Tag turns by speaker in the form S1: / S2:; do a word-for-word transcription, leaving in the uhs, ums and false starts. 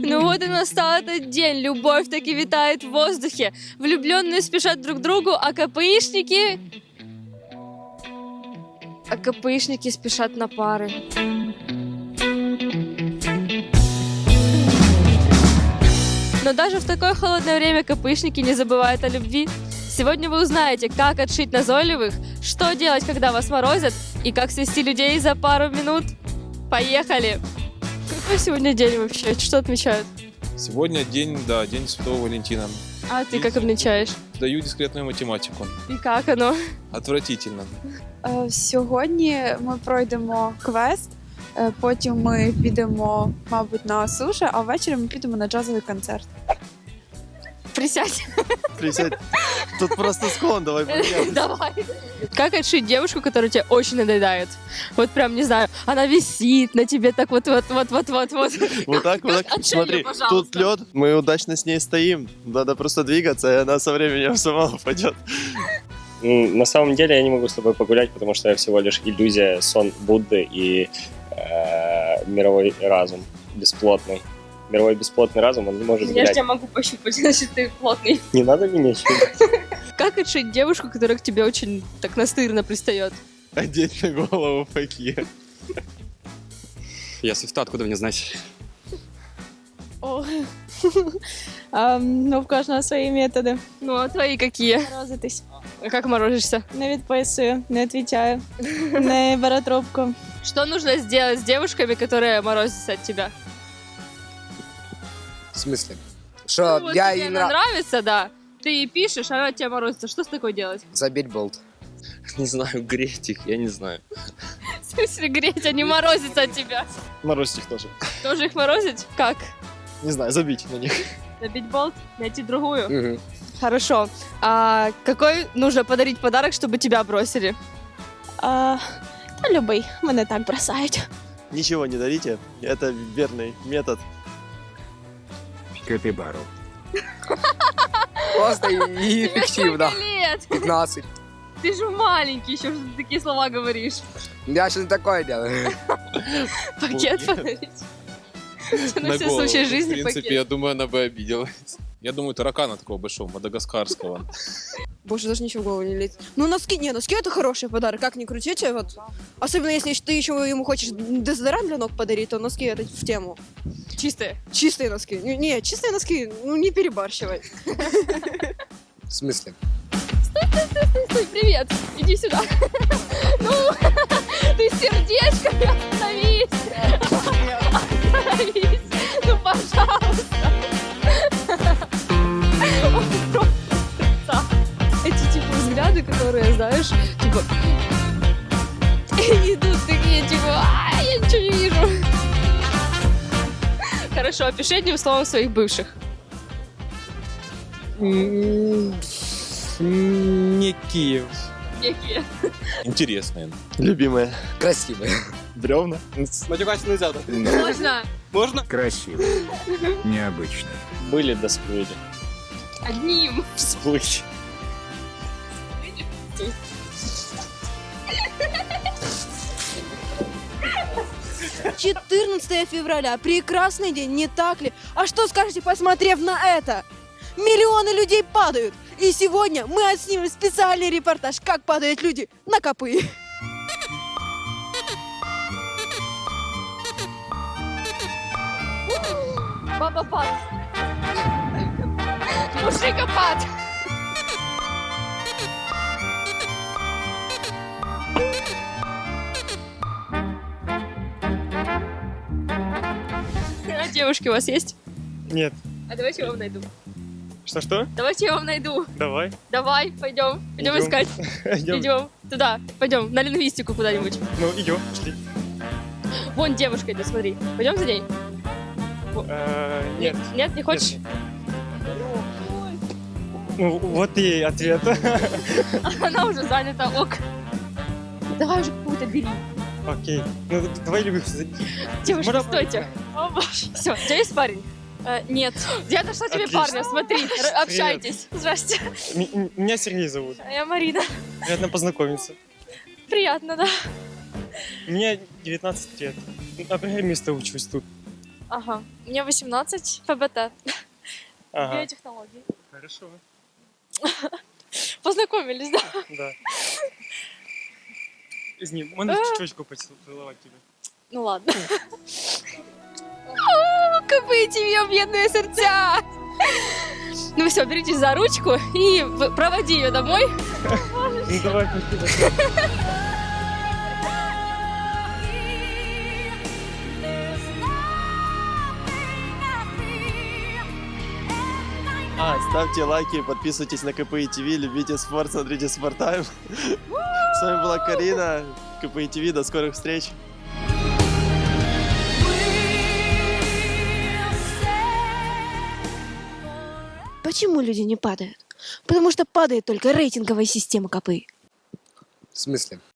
S1: Ну вот и настал этот день, любовь таки витает в воздухе. Влюбленные спешат друг к другу, а КПИшники... А КПИшники спешат на пары. Но даже в такое холодное время КПИшники не забывают о любви. Сегодня вы узнаете, как отшить назойливых, что делать, когда вас морозят, и как свести людей за пару минут. Поехали! Какой сегодня день вообще? Что отмечают?
S2: Сегодня день, да, день Святого Валентина.
S1: А ты как отмечаешь?
S2: Даю дискретную математику.
S1: И как оно?
S2: Отвратительно.
S3: Е, Сьогодні ми пройдемо квест, е, потім ми підемо, мабуть, на суші, а ввечері ми підемо на джазовий концерт.
S1: Присядь.
S4: Присядь. Тут просто склон, давай поменяем.
S1: Давай. Как отшить девушку, которая тебе очень надоедает? Вот прям, не знаю, она висит на тебе так вот-вот-вот-вот-вот-вот.
S4: Вот так, вот так.
S1: Отшей
S4: Смотри,
S1: её, пожалуйста.
S4: тут лед, мы удачно с ней стоим. Надо просто двигаться, и она со временем сама упадет.
S5: М, На самом деле я не могу с тобой погулять, потому что я всего лишь иллюзия, сон Будды и э, мировой разум бесплотный. Мировой бесплотный разум, он не может
S1: Я же
S5: гулять.
S1: тебя могу пощупать, значит ты плотный.
S5: Не надо меня щупать.
S1: Как отшить девушку, которая к тебе очень так настырно пристает?
S4: Одеть на голову факир.
S6: Я свифта, откуда мне знать?
S7: О. Ем, Ну, в кожного свої методи.
S1: Ну, а твои какие?
S7: Морозитись.
S1: А как морозишься?
S7: Не відписую, не відповідаю, не беру трубку.
S1: Что нужно сделать с девушками, которые морозятся от тебя?
S8: В смысле? Что
S1: Ну, вот
S8: я
S1: тебе
S8: ей
S1: она
S8: нравлюсь?
S1: нравится, да. Ты ей пишешь, а она от тебя морозится. Что с такой делать?
S8: Забить болт.
S6: Не знаю, греть их, я не знаю.
S1: В смысле греть, а не морозиться от тебя?
S4: Морозить их тоже.
S1: Тоже их морозить? Как?
S4: Не знаю, забить на них.
S1: Забить болт? Найти другую?
S8: Мгм.
S1: Хорошо. А какой нужно подарить подарок, чтобы тебя бросили?
S7: А, Та любий, мене так бросають.
S4: Ничего не дарите, это верный метод.
S9: Капибару.
S8: Просто и эффективно.
S1: Сколько лет?
S8: пятнадцать.
S1: Ты же маленький еще, что ты такие слова говоришь.
S8: Я что-то такое делаю.
S1: Пакет подарить? На все случаи
S2: В
S1: жизни
S2: принципе,
S1: пакет.
S2: я думаю, она бы обиделась. Я думаю, таракана такого большого, мадагаскарского.
S10: Больше даже ничего в голову не лезет. Ну, носки, не, носки это хороший подарок, как ни крутите, вот. Особенно если ты еще ему хочешь дезодорант для ног подарить, то носки это в тему.
S1: Чистые.
S10: Чистые носки. Не, не, чистые носки, ну не перебарщивай.
S8: В смысле?
S1: Стой, привет, иди сюда. Ну, ты сердечко, остановись. Остановись, ну, пожалуйста. Он просто... Эти, типа, взгляды, которые, знаешь, типа... Идут такие, типа, а, я ничего не вижу. Хорошо, опиши одним словом своих бывших.
S6: Не Киев.
S1: Некие.
S2: Интересные.
S4: Любимая.
S8: Красивые.
S4: Бревна.
S6: Матюкать нельзя, да?
S1: Можно
S6: Можно?
S9: Красиво. Необычно.
S5: Были да сплыли.
S1: одним.
S5: Всплыть.
S10: четырнадцатое февраля. Прекрасный день, не так ли? А что скажете, посмотрев на это? Миллионы людей падают. И сегодня мы отснимем специальный репортаж, как падают люди на копы.
S1: Баба-пад. Мужикопад. А девушки у вас есть?
S5: Нет.
S1: А давайте я вам найду.
S5: Что-что?
S1: Давайте я вам найду.
S5: Давай.
S1: Давай, пойдем. Пойдем
S5: Идем.
S1: искать.
S5: Идем.
S1: Идем. Туда. Пойдем. На лингвистику куда-нибудь.
S5: Ну, идем, пошли.
S1: Вон девушка идет, смотри. Пойдем за ней.
S5: Э, Нет.
S1: Нет, не хочешь?
S5: Ну, вот и ответ.
S1: Она уже занята. Ок. Давай уже какую-то бери.
S5: Окей. Ну, давай любим.
S1: Девушка,
S5: Можно-
S1: стойте. Все, у тебя есть парень?
S7: Нет.
S1: Я нашла тебе
S5: Отлично.
S1: парня, смотри, р- общайтесь. Здрасте.
S5: М- м- Меня Сергей зовут.
S1: А я Марина.
S5: Приятно познакомиться.
S1: Приятно, да.
S5: Мне девятнадцать лет. На программиста учусь тут.
S1: Ага. Мне восемнадцать, ФБТ.
S5: Ага,
S1: Биотехнологии.
S5: хорошо.
S1: Познакомились, да?
S5: Да. З ним, можна щочку поцілувати тебе?
S1: Ну ладно. КП ТВ, бедные сердца! Ну все, беритесь за ручку и в- проводи ее домой.
S5: Ну давай, спасибо.
S4: А, ставьте лайки, подписывайтесь на КПИ ТВ, любите спорт, смотрите Спорттайм. С вами была Карина, КПИ ТВ, до скорых встреч.
S7: Почему люди не падают? Потому что падает только рейтинговая система КПИ.
S8: В смысле?